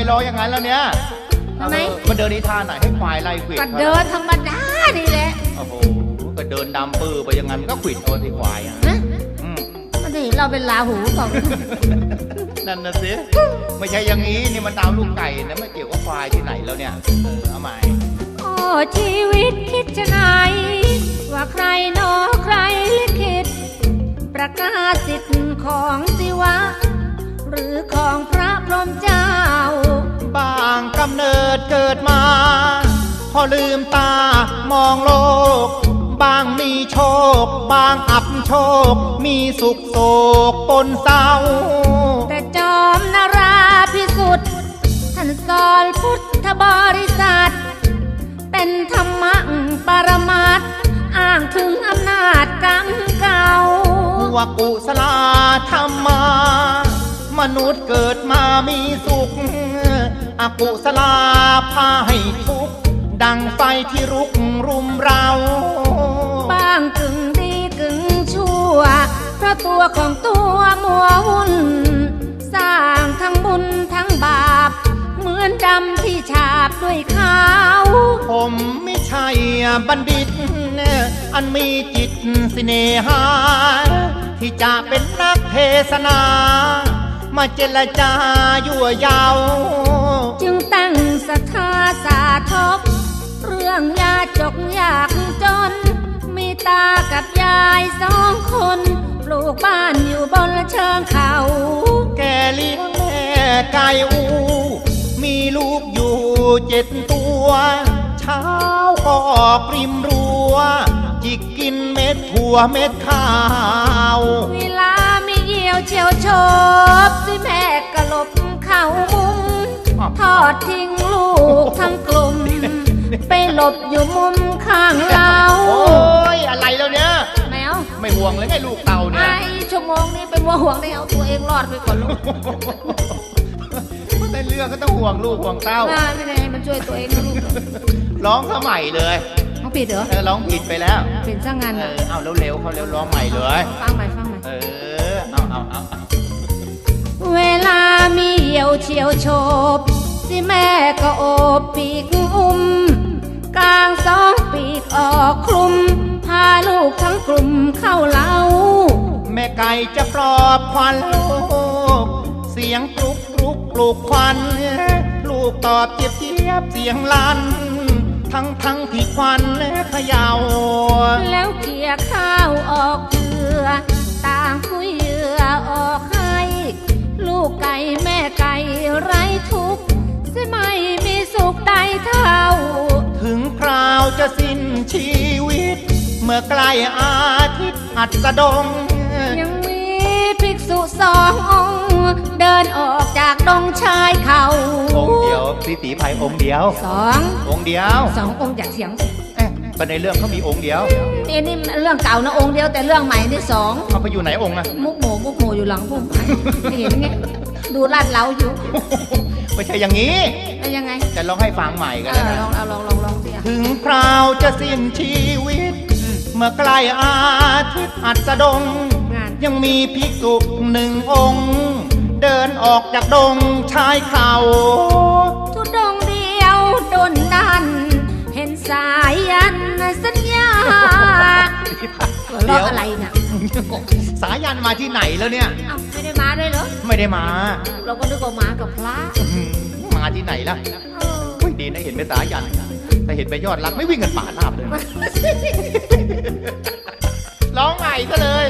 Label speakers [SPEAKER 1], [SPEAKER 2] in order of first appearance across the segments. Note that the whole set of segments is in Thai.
[SPEAKER 1] รออย่างนั้นแล้วเนี่ย
[SPEAKER 2] ทำไม
[SPEAKER 1] มันเดินในท่าไหนให้ควายไล่ขวิด
[SPEAKER 2] ก็เดินธรรมดานี่แหละ
[SPEAKER 1] โอ้โหก็เดินดำปื้อไปอย่างนั้นก็ขวิดโดนที่ควายอ่ะ
[SPEAKER 2] มันจะเห็นเราเป็นลาหูเปล่า
[SPEAKER 1] นั่นน่ะสิไม่ใช่อย่างนี้นี่มันดาวลูกไก่นะไม่เกี่ยวกับควายที่ไหนแล้วเนี่ยเอาใหม่
[SPEAKER 2] โอ้ชีวิตคิดจะไงว่าใครหนอใครลิขิตประกาศสิทธิ์ของศิวะหรือของพระพรหมเจ้า
[SPEAKER 1] บางกำเนิดเกิดมาพอลืมตามองโลกบางมีโชคบางอับโชคมีสุขโศกปนเศร้า
[SPEAKER 2] แต่จอมนาราพิสุทธิ์ท่านสอนพุทธบริษัทเป็นธรรมะปรมัตถ์อ้างถึงอำนาจกรรมเก่า
[SPEAKER 1] ว่ากุศลธรรมามนุษย์เกิดมามีสุขอกุศลพาให้ทุกข์ดังไฟที่รุกรุมเรา
[SPEAKER 2] บ้างกึ่งดีกึ่งชั่วเพราะตัวของตัวมัววุ่นสร้างทั้งบุญทั้งบาปเหมือนดำที่ฉาบด้วยขาว
[SPEAKER 1] ผมไม่ใช่บัณฑิตอันมีจิตสิเนหาที่จะเป็นนักเทศนามาเจรจายั่วยาว
[SPEAKER 2] จึงตั้งศรัทธาสาธกเรื่องยาจกยากจนมีตากับยายสองคนปลูกบ้านอยู่บนเชิงเขา
[SPEAKER 1] แกเลี้ยงแม่ไก่อูมีลูกอยู่7 ตัวเช้าก็ออกริมรั้วจิกกินเม็ดถั่วเม็ดข้าว
[SPEAKER 2] เวลามีเยี่ยวเฉียวชบสิแม่กะลบเข่ามุมทอดทิ้งลูกทั้งกลุ่มไปหลบอยู่มุมข้างเรา
[SPEAKER 1] โอ้ยอะไรแล้วเนี่ย
[SPEAKER 2] แมว
[SPEAKER 1] ไม่ห่วงเลยไงลูกเต่าเนี่ย
[SPEAKER 2] ไอชั่วโมงนี้เป็นว่าห่วงได้เอาตัวเองรอดไปก่อนลูก
[SPEAKER 1] ในเรื่องก็ต้องห่วงลูกห่วงเต้า
[SPEAKER 2] ไม่ได้มันช่วยตัวเองนะลูก
[SPEAKER 1] ร้องสมัยเลย
[SPEAKER 2] ร้องผิดเหรอ
[SPEAKER 1] ร้องผิดไปแล้ว
[SPEAKER 2] เป็นสร้างงาน
[SPEAKER 1] เอาเร็วๆเขาเร็วร้องใหม่เลย
[SPEAKER 2] ฟังใหม่
[SPEAKER 1] เอา
[SPEAKER 2] เวลามีเหี่ยวเฉียวโฉบสิแม่ก็โอบปีกอุ้มกลาง2 ปีกออกคลุมพาลูกทั้งกลุ่มเข้าเล้า
[SPEAKER 1] แม่ไก่จะปลอบควันลูกเสียงกรุกกรุกปลูกควันลูกตอบเจี๊ยบเจี๊ยบเสียงลั่นทั้งที่ควันเขย่า
[SPEAKER 2] แล้วเกี่ยข้าวออกเกลือต่างคุยเหยื่อออกให้ลูกไก่แม่ไก่ไร้ทุกข์สิไม่มีสุขใดเท่า
[SPEAKER 1] ถึงคราวจะสิ้นชีวิตเมื่อใกล้อาทิตย์อัสดง
[SPEAKER 2] ยังมีภิกษุ2 องค์เดินออกจากดงชายเขา
[SPEAKER 1] องค์เดียวพี่ตีภัยองค์เดียว
[SPEAKER 2] 2
[SPEAKER 1] องค์เดียว
[SPEAKER 2] 2 องค์จากเสียง
[SPEAKER 1] ประเด็นเรื่องเขามีองค์เดียว
[SPEAKER 2] นี่เรื่องเก่านะองค์เดียวแต่เรื่องใหม่นี่2
[SPEAKER 1] เขาไปอยู่ไหนองค์อะ
[SPEAKER 2] มุกโหอยู่หลังพุ่มไม่เห็นไงดูลาดเล้าอยู่
[SPEAKER 1] ไม่ใช่อย่างนี้
[SPEAKER 2] ยังไง
[SPEAKER 1] จะลองให้ฟังใหม่กันนะ
[SPEAKER 2] ลองสิ
[SPEAKER 1] ถึงคราวจะสิ้นชีวิตเมื่อใกล้อาทิตย์อัสดงยังมีภิกษุ1 องค์เดินออกจากดงชายเขา
[SPEAKER 2] ทุดงเดียวดนดันเห็นสายยันสัญญาร้องอะไรเนี่ย
[SPEAKER 1] สายันมาที่ไหนแล้วเนี่ย
[SPEAKER 2] ไม่ได้มาด้วยเหรอ
[SPEAKER 1] ไม่ได้มา
[SPEAKER 2] เราก็นึกว่ามากับพระ
[SPEAKER 1] มาที่ไหนล่ะไม่ดีนะเห็นเป็นสายันแต่เห็นไปยอดรักไม่วิ่งกันป่าราบเลยร้องใหม่ก็เลย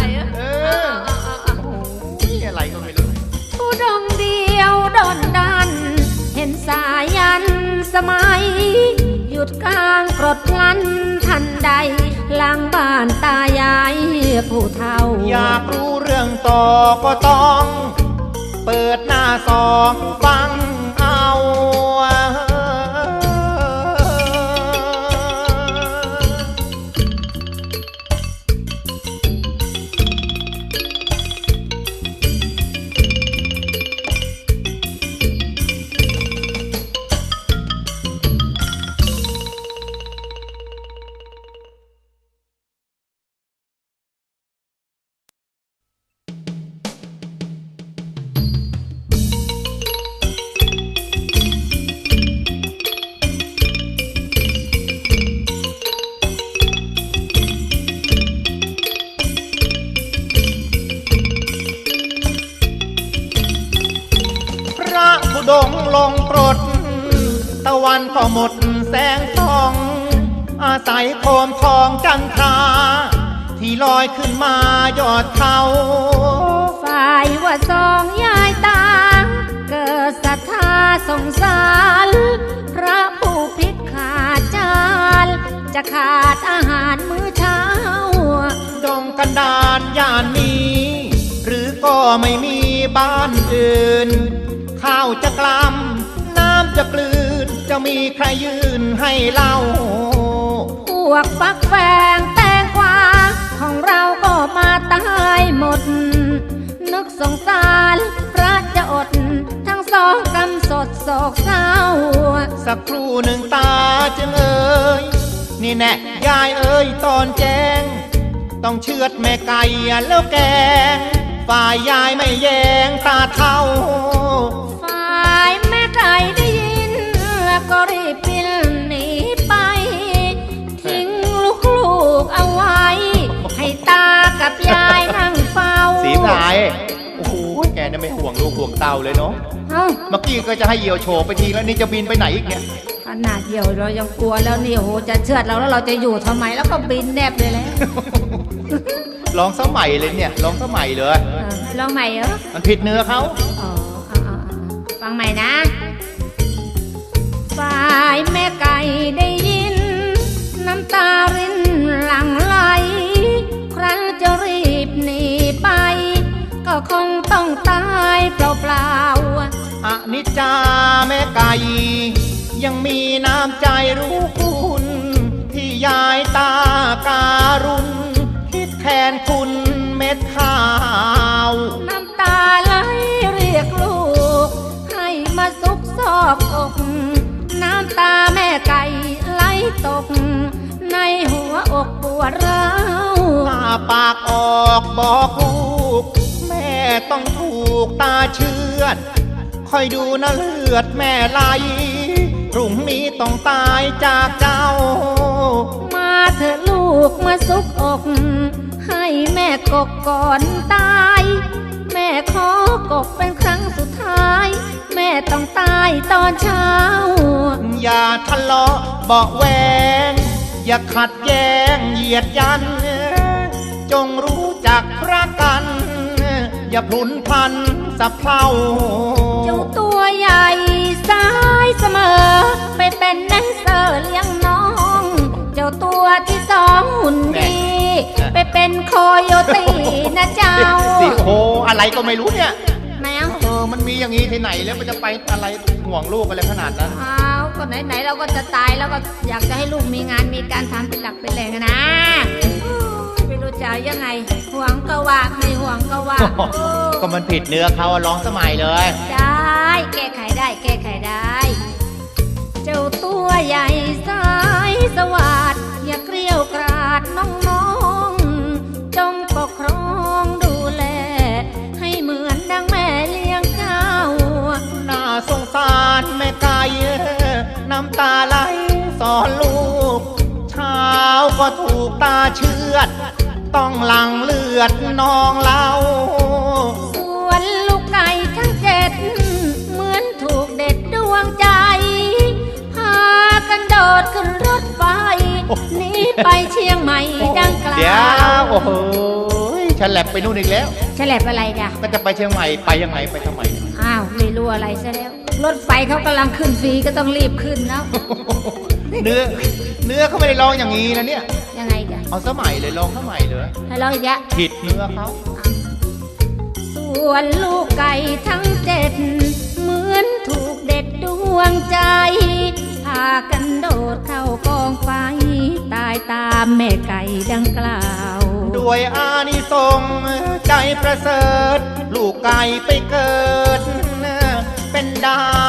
[SPEAKER 1] อะไรก็ไม่รู้
[SPEAKER 2] ผู้ดงเดียวดนดันเห็นสายันสมัยหยุดกลางกรดลันทันใดหลังบ้านตายายผู้เฒ่า
[SPEAKER 1] อยากรู้เรื่องต่อก็ต้องเปิดหน้า2ฟังเอาธุดงค์ลงปรดตะวันก็หมดแสงทอง อาศัยโคมทองจันทราที่ลอยขึ้นมายอดเขา
[SPEAKER 2] ฝ่ายว่าสองยายตาเกิดศรัทธาสงสารพระผู้พิษขาดจานจะขาดอาหารมื้อเช้า
[SPEAKER 1] ดงกันดานย่านนี้ หรือก็ไม่มีบ้านอื่น ข้าวจะกล้ำน้ำจะกลืน จะมีใครยืนให้เล่า
[SPEAKER 2] พวกฟักแฟงแตงกวาของเราก็มาตายหมด นึกสงสารพระจะอด ทั้งสองกำสดโศกเศร้า
[SPEAKER 1] สักครู่หนึ่งตาจึงเอ่ยนี่แน่ยายเอ่ยตอนแจ้ง ต้องเชือดแม่ไก่แล้วแกงฝ่ายยายไม่แยงตาเท่า
[SPEAKER 2] ฝ่ายแม่ไก่ได้ยินแล้วก็รีบบินหนีไป ทิ้งลูกๆเอาไว้ ให้ตากับยายนั่งเฝ้า
[SPEAKER 1] สีพลายโอ้โหแกน่ะไม่ห่วงลูกห่วงเต่าเลยเนาะ
[SPEAKER 2] เอ้า
[SPEAKER 1] เมื่อกี้ก็จะให้เหยี่ยวโฉบไปทีแล้วนี่จะบินไปไหนอีกเนี่ย
[SPEAKER 2] ขนาดเดียวเรายังกลัวแล้วนี่โอ้โหจะเชือดเราแล้วเราจะอยู่ทำไมแล้วก็บินแนบเลยแล้ว
[SPEAKER 1] ลองสมัยเลยเนี่ยลองสมัยเลย
[SPEAKER 2] ลองใหม่เหรอ
[SPEAKER 1] มันผิดเนื้อเขา
[SPEAKER 2] อ๋อฟังใหม่นะ ฝ่ายแม่ไก่ได้ยิน น้ำตารินหลั่งไหล ครั้นจะรีบหนีไป ก็คงต้องตายเปล่าๆ
[SPEAKER 1] อนิจจาแม่ไก่ ยังมีน้ำใจรู้คุณที่ยายตาการุณ คิดแทนคุณเม็ดข้าว
[SPEAKER 2] น้ำตาไหลเรียกลูก ให้มาซุกซอกอก น้ำตาแม่ไก่ไหลตก ในหัวอกปวดร้าว
[SPEAKER 1] ถ้าปากออกบอกลูก แม่ต้องถูกตาเชือด คอยดูนะเลือดแม่ไหล พรุ่งนี้ต้องตายจากเจ้า
[SPEAKER 2] มาเถอะลูกมาซุกอก ให้แม่กกก่อนตาย แม่ขอกกเป็นครั้งสุดท้าย แม่ต้องตายตอนเช้า
[SPEAKER 1] อย่าทะเลาะเบาะแวง อย่าขัดแย้งเหยียดยัน จงรู้จักรักกัน อย่าพลุนพลันสับเพลา
[SPEAKER 2] เจ้าตัวใหญ่สายเสมอ ไปเป็นแดนเซอร์เลี้ยงน้อง เจ้าตัวที่สองหุ่นดี ไปเป็นโคโยตีนะเจ้า
[SPEAKER 1] สิโออะไรก็ไม่รู้เนี่ย
[SPEAKER 2] แมว
[SPEAKER 1] มันมีอย่างนี้ที่ไหนแล้วมันจะไปอะไรห่วงลูกอะไรขนาดนั้น
[SPEAKER 2] อ้าวก็ไหนๆเราก็จะตายแล้วก็อยากจะให้ลูกมีงานมีการทำเป็นหลักเป็นแหล่งอะนะไม่รู้จะยังไงห่วงก็ว่าไม่ห่วงก็ว่า
[SPEAKER 1] ก็มันผิดเนื้อเขาอะร้องสมัยเลย
[SPEAKER 2] ได้แก้ไขได้แก้ไขได้ เจ้าตัวใหญ่สายสวัสดอย่าเกลียวกราดน้องๆจงปกครองดูแล ให้เหมือนดังแม่เลี้ยงเจ้า
[SPEAKER 1] น่าสงสารแม่ไก่น้ำตาไหลสอนลูก เช้าก็ถูกตาเชือด ต้องหลั่งเลือดนองเล่า
[SPEAKER 2] ส่วนลูกไก่ทั้งเจ็ดเหมือนถูกเด็ดดวงใจ พากันโดดขึ้นรถไฟหนีไปเชียงใหม่ดังกล่าว
[SPEAKER 1] เดี๋ยวโอ้โหฉันแหลบไปนู่นอีกแล้ว
[SPEAKER 2] ฉลับอะไรจ้ะ
[SPEAKER 1] ก็จะไปเชียงใหม่ไปยังไงไปทำไม
[SPEAKER 2] อ้าวไม่รู้อะไรซะแล้ว รถไฟเขากำลังขึ้นฟรีก็ต้องรีบขึ้นแล้ว
[SPEAKER 1] เนื้อเขาไม่ได้ร้องอย่างนี้นะเนี่ย
[SPEAKER 2] ยังไงจ้ะ
[SPEAKER 1] เอาสมัยเลยร้องสมัยเลย
[SPEAKER 2] ให้เราอีกแล้ว
[SPEAKER 1] ผิดเนื้อเขา
[SPEAKER 2] ส่วนลูกไก่ทั้งเจ็ดเหมือนถูกเด็ดดวงใจ พากันโดดเข้ากองไฟ ตายตามแม่ไก่ดังกล่าว
[SPEAKER 1] ด้วยอานิสงส์ใจประเสริฐ ลูกไก่ไปเกิด เป็นดา